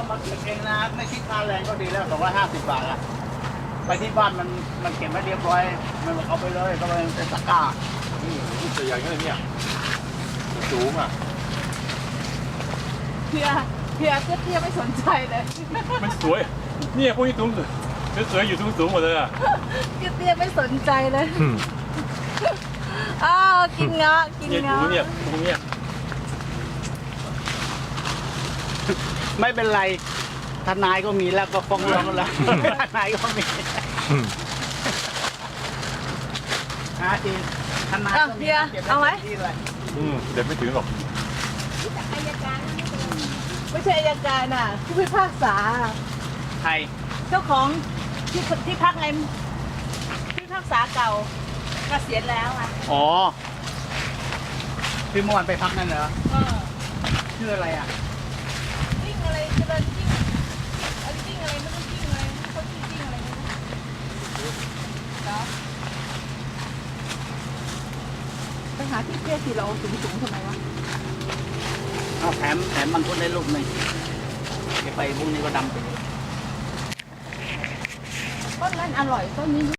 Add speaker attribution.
Speaker 1: มาเก็บเองนะไม่คิดค่าแรงก็ดีแล้ว250 บาทอะไปที่บ้านมันเก็บไว้เรียบร้อยมันเอาไปเลยก็เป็นตะกร้า
Speaker 2: ตัวใหญ่ขนาดนี้สูงอ่ะ
Speaker 3: เพียเตี้ยไม่สนใจเลย
Speaker 2: มันสวยเนี่ยพวกนี้สูงสวยๆอยู่สูงหมดเลยอ่ะ
Speaker 3: เตี้ยไม่สนใจเลยอ้าวกินเงาะกิน
Speaker 2: เนี่ย
Speaker 3: เงาะ
Speaker 2: ดูเนี่ยตรงเนี้ย
Speaker 1: ไม่เป็นไรทนายก็มีแล้วก็ฟ้องร้องแล้วทนายก็มีจริงทนายก็มี
Speaker 3: เอาไหม
Speaker 2: เด็ดไม่ถึงหรอก
Speaker 3: ไม่ใช่อัยการน่ะผู้พิพากษา
Speaker 1: ใคร
Speaker 3: เจ้าของที่พักไงที่พิพากษาเก่าเกษียณแล้วอ่ะ
Speaker 1: อ๋อที่เมื่อวานไปพักนั่นเหรอชื่ออะไรอ่ะ
Speaker 3: จิ้งอะไรเจริญจิ้งอะไรจิ้งอะไรไม่รู้จิ้งอะไรเขาชื่อจิ้งอะไรไม่รู้เหรอไปหาที่เตี้ยสีเราสูงๆทำไมวะ
Speaker 1: เอาแถมมังคุดได้ลูกหนึ่งเก็บไปพรุ่งนี้ก็ดำไป
Speaker 3: ต้นนั้นอร่อยต้นนี้